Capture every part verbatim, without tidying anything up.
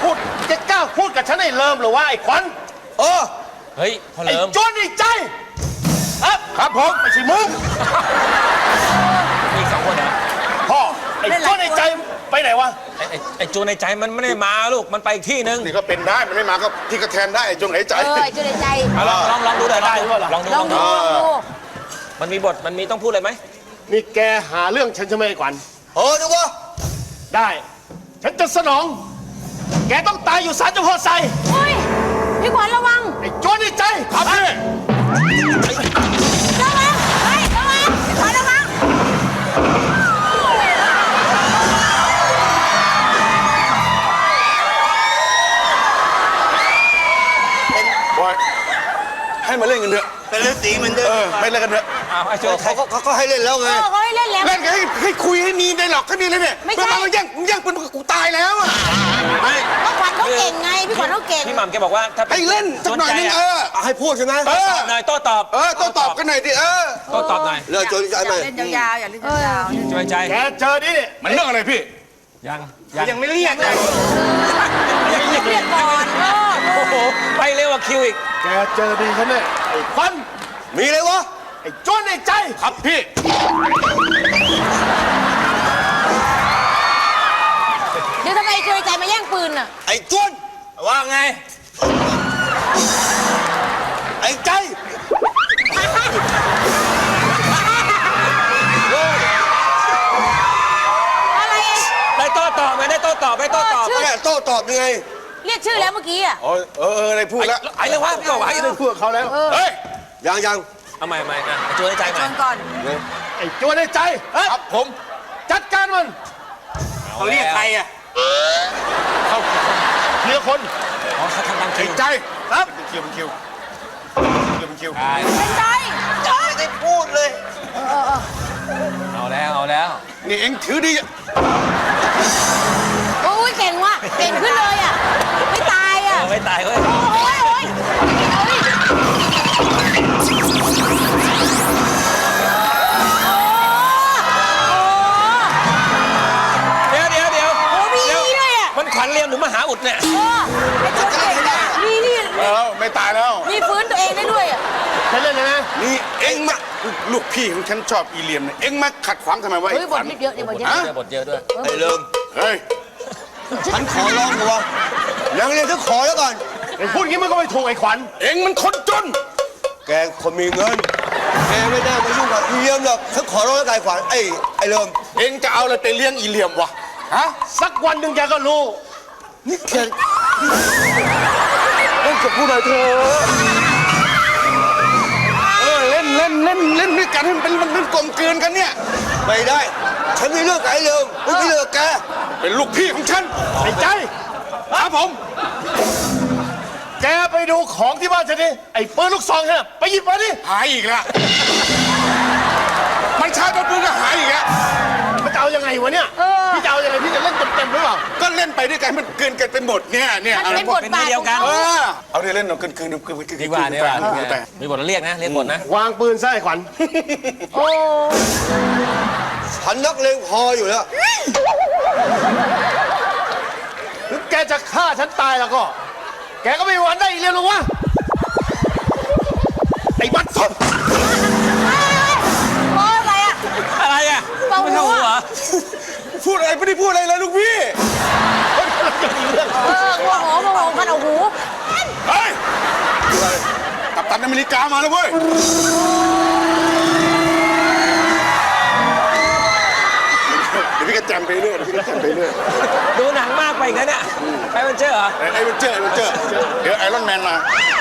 พูดจะกล้าพูดกับฉันไอ้เลิมหรือว่าไอ้ขวัญเออเฮ้ยพ่อไอ้เลิมจวนไอ้ใจครับครับผมไม่ใช่มึงมีสองคนเหรอพ่อไอ้จวนไอ้ใจไปไหนวะไอ้ไอ้ไอ้จูนในใจมันไม่ได้มาลูกมันไปอีกที่นึงนี่ก็เป็นได้มันไม่มาก็พี่ก็แทนได้ไอ้จงไอ้ใจเออไอ้จุในใจลองลองลองดูได้ลองดูลองดูลองดูมันมีบทมันมีต้องพูดอะไรไหมนี่แกหาเรื่องฉันใช่ไหมไอ้ขวัญเออดูวะได้ฉันจะสนองแกต้องตายอยู่ศาลเจ้าพ่อไซเฮ้ยพี่ขวัญระวังไอ้จวนไอ้ใจครับพี่ระวังเฮ้ยระวังพี่ขวัญระวังบอยให้มาเล่นกันเถอะเป็นเล่นตีมันเถอะไม่เล่นกันเถอะไอ้จูนเขาเขาก็ให้เล่นแล้วไงเขาให้เล่นแล้วเล่นกันให้ให้คุยให้มีได้หรอกแค่นี้เลยเนี่ยไม่ใช่มาแย่งแย่งปืนกูตายแล้วอ่ะพี่ขวัญเขาเก่งไงพี่ขวัญเขาเก่งพี่หม่ำแกบอกว่าถ้าให้เล่นสักหน่อยนึงเออให้พูดใช่ไหมโต้ตอบหน่อยโต้ตอบเออโต้ตอบกันหน่อยดิเออโต้ตอบหน่อยเรื่องโจรใจไหมเล่นยาวๆอย่าเล่นยาวๆช่วยใจแกเจอดิมันเรื่องอะไรพี่ยังยังไม่เรียกเลยยังเรียกก่อนโอ้โหไปเร็วกว่าคิวอีกแกเจอดีฉันเนี่ยไอ้ขวัญมีเลยวะไอ้จวนไอ้ใจครับพี่เดี๋ยวทำไมจุในใจมาแย่งปืนอ่ะไอ้จวนว่าไงไอ้ใจอะไรได้โต้ตอบไหมได้โต้ตอบได้โต้ตอบแม่โต้ตอบยังไงเรียกชื่อแล้วเมื่อกี้อ่ะเออเอออะไรพูดแล้วไอ้เรื่องว่าก็ไอ้เรื่องพูดเขาแล้วเฮ้ยยังยังเอาใหม่ใหม่นะจูนในใจใหม่ก่อนไอ้จวนไอ้ใจครับผมจัดการมันเขาเรียกใครอ่ะเขาเรียกคนอ๋อเขาทำตามคิวใจครับคิวเป็นคิวคิวเป็นคิวเป็นใจใจไม่ได้พูดเลยเอาแล้วเอาแล้วนี่เอ็งถือดีโอ้ยเก่งว่ะเก่งขึ้นเลยอ่ะไม่ตายอ่ะไม่ตายเว้ยโอ้ยโอ้ยเดี๋ยวเดี๋ยวเดี๋ยวโอ้มีด้วยอ่ะมันขวัญเรียมหรือมหาอุดเนี่ยมีนี่แล้วไม่ตายแล้วมีฟื้นตัวเองได้ด้วยอ่ะฉันเล่นเลยนะนี่เอ็งมาลูกพี่ของฉันชอบอีเลียมเนี่ยเอ็งมาขัดขวางทำไมวะเฮ้ยบทเยอะเนี่ยบทเยอะบทเยอะด้วยไอ้เริ่มเฮ้ยฉันขอร้องกูว่ายังเรียนฉันขอแล้วก่อนไอ้พูดงี้มันก็ไม่ถูกไอ้ขวัญเอ็งมันคนจนแกคนมีเงินแกไม่ได้มายุ่งกับอีเลียมหรอกฉันขอร้องแล้วไอ้ขวัญไอ้ไอ้เริ่มเอ็งจะเอาอะไรไปเลี้ยงอีเลียมวะฮะสักวันหนึ่งแกก็รู้นี่แกเล่นกับผู้ใดเธอเออเล่นเล่นเล่นเล่นด้วยกันให้มันเป็นมันเป็นกลมกลืนกันเนี่ยไม่ได้ฉันมีเรื่องกับไอ้เริ่มไม่มีเรื่องแกเป็นลูกพี่ของฉันไอ้ใจครับผมแกไปดูของที่บ้านฉันดิไอ้ปืนลูกซองเนี่ยไปหยิบมาดิหายอีกแล้วมันชาร์จปืนก็หายอีกแล้วมันจะเอายังไงวะเนี่ยพี่จะเอายังไงพี่จะเล่นเต็มๆหรือเปล่าก็เล่นไปด้วยกันมันเกินกันเป็นบทเนี่ยเนี่ยมันเป็นบทบาทเดียวกันเอาเล่นเอาเกินคืนคืนคืนดีกว่าดีกว่ามีบทเรียกนะเรียกบทนะวางปืนซะไอ้ขวัญโอ้ฉันนักเลงพออยู่แล้วถึงแกจะฆ่าฉันตายแล้วก็แกก็ไม่มีวันได้อีกเรื่องหรอกวะไอ้บัตรสดโอ้ยอะไรอ่ะอะไรอ่ะไม่เข้าหัวพูดอะไรไม่ได้พูดอะไรเลยลูกพี่เออหัวหอมหัวหอมกันเอาหูเฮ้ยกัปตันอเมริกามาแล้วเว้ยเดี๋ยวพี่ก็จำไปเรื่อยพี่ก็จำไปเรื่อยดูหนังมากไปอีกนะเนี่ยไอเวนเจอร์เหรอไอเวนเจอร์ไอเวนเจอร์เดี๋ยวไอรอนแมนมา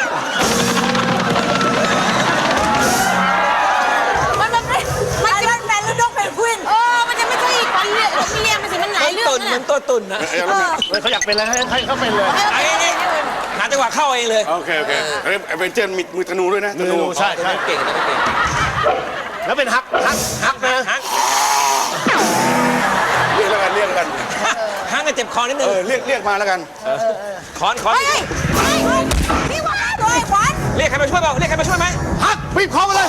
มันมันมันไอรอนแมนแล้วนกเพนกวินเออมันจะไม่ใช่ขวัญเรียกมีเรียกมันสิมันหลายเรื่องนะมันตัวตุ่นนะเขาอยากเป็นอะไรให้เขาเป็นเลยไอ้นี่หาจังหวะเข้าเองเลยโอเคโอเคไอเวนเจอร์มีมือธนูด้วยนะธนูใช่ใช่เก่งนะเก่งแล้วเป็นฮักฮักฮักนะฮักเรียกแล้วกันเรียกกันฮักกันเจ็บคอนิดนึงเออเรียกเรียกมาแล้วกันคอนคอนพี่ขวัญโดยขวัญเรียกใครมาช่วยเปล่าเรียกใครมาช่วยไหมฮักบีบคอมาเลย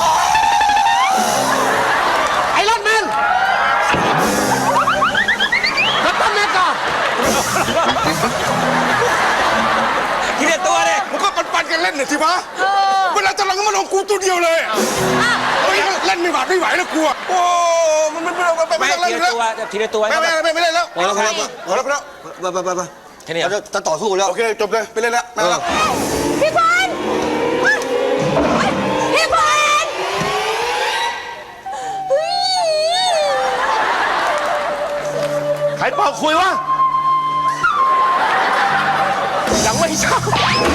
ไอรอนแมนกัปตันอเมริกาเล่นหน่อยสิวะเออเวลาจะลงก็มาลงกูตัวเดียวเลยอ่ะเฮ้ยเล่นไม่หวาดไม่ไหวแล้วกูโอ้มันไม่ไม่ไม่ไม่ต้องเล่นทีแล้ละวตัวทีละตัวไม่ไม่ไม่ไม่เล่นแล้วพอแล้วพอแล้วพอแล้วพอแล้วไปไปไปแค่นี้จะจะต่อสู้แล้วโอเคจบเลยไปเล่นแล้วไม่แล้วพี่ควันพี่ควันเฮ้ยใครเป่าคุยวะยังไม่เช้า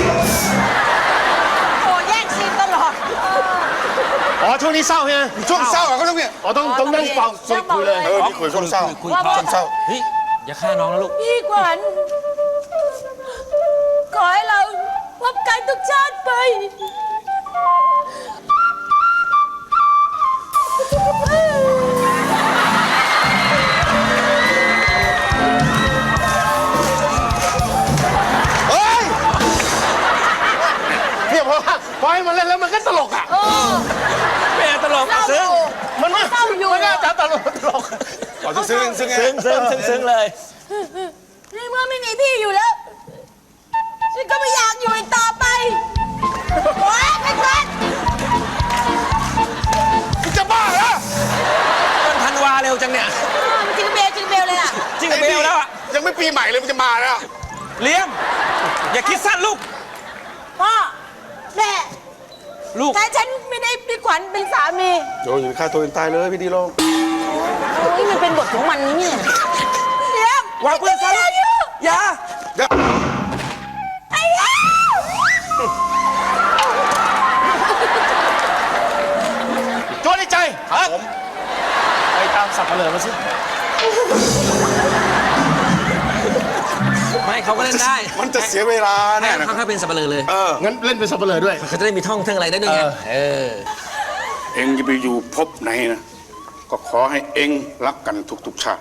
โอ้แย่งซีนตลอดอ๋อช่วงนี้เศร้าใช่ไหมช่วงเศร้าอ่ะเขาต้องเนี่ยอ๋อต้องต้องนั่งเป่าสดคุยเลยเออนี่คุยช่วงเศร้าคุยว่าพอช่วงเศร้าเฮ้ยอย่าฆ่าน้องนะลูกพี่ขวัญขอให้เราพบกันทุกชาติไปเฮ้ยเนี่ยเพราะว่าพอให้มันเล่นแล้วมันก็ตลกอ่ะเออไม่เอาตลกเศร้าซึ้งอยู่มันไม่เศร้าอยู่มันน่าจะตลกตลกเอาซึ้งซึ้งไงซึ้งซึ้งซึ้งซึ้งเลยในเมื่อไม่มีพี่อยู่แล้ว ฉันก็ไม่อยากอยู่อีกต่อไปโอ๊ยพี่ขวัญมึงจะบ้าเหรอต้นธันวาเร็วจังเนี่ยจิงเบลจิงเบลเลยล่ะจริงกับเบลแล้วอะยังไม่ปีใหม่เลยมึงจะมาแล้วเลี้ยมอย่าคิดสั้นลูกพ่อแม่ลูกแต่ฉันไม่ได้พี่ขวัญเป็นสามีโดนอยู่ฆ่าตัวเองตายเลยพี่ดีลงโอ้ยมันเป็นบทของมันนี่เนี่ยเดี๋ยววางปืนซะลูกอย่าไอ้เหี้ยโจ้ในใจครับผมไปตามสับเปลือมาสิไม่เขาก็เล่นได้มันจะเสียเวลาให้แน่นะเขาเขาเป็นสับปะเลอเลยเอองั้นเล่นเป็นสับเปลือด้วยเขาจะได้มีท่องเทิงอะไรได้ด้วยไงเออเออเองจะไปอยู่ภพไหนนะ ก็ขอให้เองรักกันทุกๆชาติ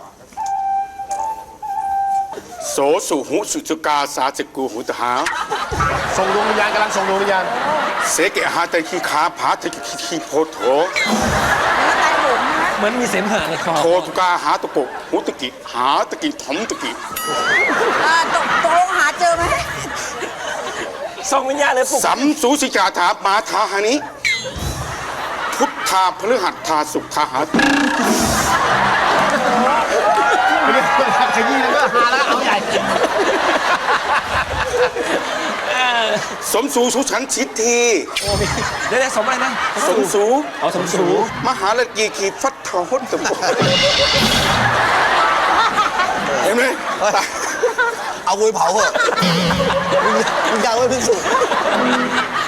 โสสุหุสุจกาสาสกูหุตหาส่งดวงวิญญาณกำลังส่งดวงวิญญาณเสกหาตะคีขาผาตะคีคีโพโถตายผมนะเหมือนมีเสมหะในคอโทตุกาหาตะโกหุตะกิหาตะกิถมตะกิอ่าตกตกลงหาเจอไหมส่งวิญญาณเลยปลุกสัมสูสิกาถามาทาหานิพุทธาพฤหัสทาสุขหาไม่ได้ขยี้แล้วก็ฮาแล้วเอาใหญ่สมสูสุฉันชิตทีเดี๋ยวๆสมอะไรนะสมสูเอาสมสูมหาลกีขีฟัดทาหดตะโกเห็นไหมเอาวุ้ยเผาเหอะมึงมึงอยากไว้พิสูจน์